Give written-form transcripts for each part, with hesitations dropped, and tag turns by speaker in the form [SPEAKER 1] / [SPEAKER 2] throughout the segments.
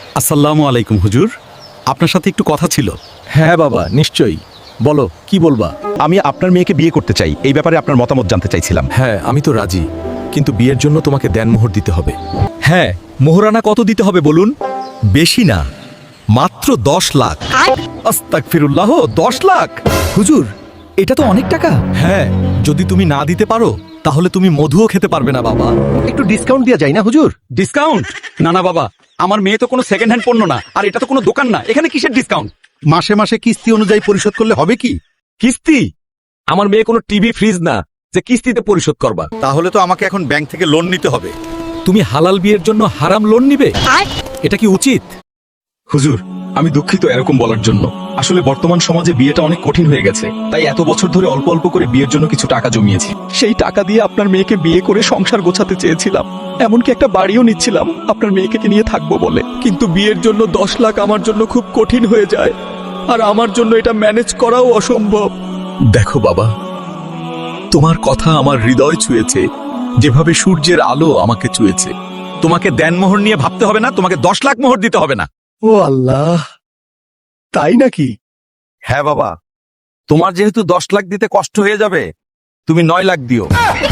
[SPEAKER 1] আসসালামু আলাইকুম হুজুর, আপনার সাথে একটু কথা ছিল।
[SPEAKER 2] হ্যাঁ বাবা, নিশ্চয়ই বলো, কি বলবা?
[SPEAKER 3] আমি আপনার মেয়েকে বিয়ে করতে চাই, এই ব্যাপারে আপনার মতামত জানতে চাইছিলাম।
[SPEAKER 2] হ্যাঁ, আমি তো রাজি, কিন্তু বিয়ের জন্য তোমাকে দেনমোহর দিতে হবে।
[SPEAKER 3] হ্যাঁ, মোহরানা কত দিতে হবে বলুন? বেশি না, মাত্র 10 লাখ। আস্তাগফিরুল্লাহ, 10 লাখ?
[SPEAKER 1] হুজুর, এটা তো অনেক টাকা।
[SPEAKER 3] হ্যাঁ, যদি তুমি না দিতে পারো তাহলে তুমি মধুও খেতে পারবে না বাবা।
[SPEAKER 4] একটু ডিসকাউন্ট দেওয়া যায় না হুজুর?
[SPEAKER 1] ডিসকাউন্ট? না না বাবা, আমার মেয়ে তো কোনো সেকেন্ড হ্যান্ড পণ্য না, আর এটা তো কোনো দোকান না, এখানে কিসের ডিসকাউন্ট?
[SPEAKER 4] মাসে মাসে কিস্তি অনুযায়ী পরিশোধ করলে হবে কি?
[SPEAKER 2] কিস্তি? আমার মেয়ে কোনো টিভি ফ্রিজ না যে কিস্তিতে পরিশোধ করবা।
[SPEAKER 1] তাহলে তো আমাকে এখন ব্যাংক থেকে লোন নিতে হবে।
[SPEAKER 2] তুমি হালাল বিয়ের জন্য হারাম লোন নিবে? এটা কি উচিত?
[SPEAKER 5] হুজুর, আমি দুঃখিত এরকম বলার জন্য। আসলে বর্তমান সমাজে বিয়েটা অনেক কঠিন হয়ে গেছে, তাই এত বছর ধরে অল্প অল্প করে বিয়ের জন্য কিছু টাকা জমিয়েছি। সেই টাকা দিয়ে আপনার মেয়েকে বিয়ে করে সংসার গোছাতে চেয়েছিলাম, এমনকি একটা বাড়িও নিচ্ছিলাম আপনার মেয়েকে নিয়ে থাকবো বলে। কিন্তু বিয়ের জন্য 10 লাখ আমার জন্য খুব কঠিন হয়ে যায়, আর আমার জন্য এটা ম্যানেজ করাও অসম্ভব। দেখো বাবা, তোমার কথা আমার হৃদয় ছুঁয়েছে, যেভাবে সূর্যের আলো আমাকে ছুঁয়েছে।
[SPEAKER 1] তোমাকে দেনমোহর নিয়ে ভাবতে হবে না, তোমাকে 10 লাখ মোহর দিতে হবে না।
[SPEAKER 4] ও আল্লাহ, তাই নাকি?
[SPEAKER 1] হ্যাঁ বাবা, তোমার যেহেতু 10 লাখ দিতে কষ্ট হয়ে যাবে, তুমি 9 লাখ দিও।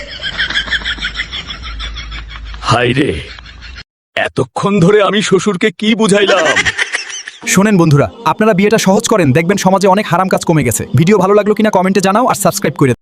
[SPEAKER 2] হাই রে, এতক্ষণ ধরে আমি শ্বশুরকে কি বুঝাইলাম?
[SPEAKER 6] শোনেন বন্ধুরা, আপনারা বিয়েটা সহজ করেন, দেখবেন সমাজে অনেক হারাম কাজ কমে গেছে। ভিডিও ভালো লাগলো কিনা কমেন্টে জানাও, আর সাবস্ক্রাইব করে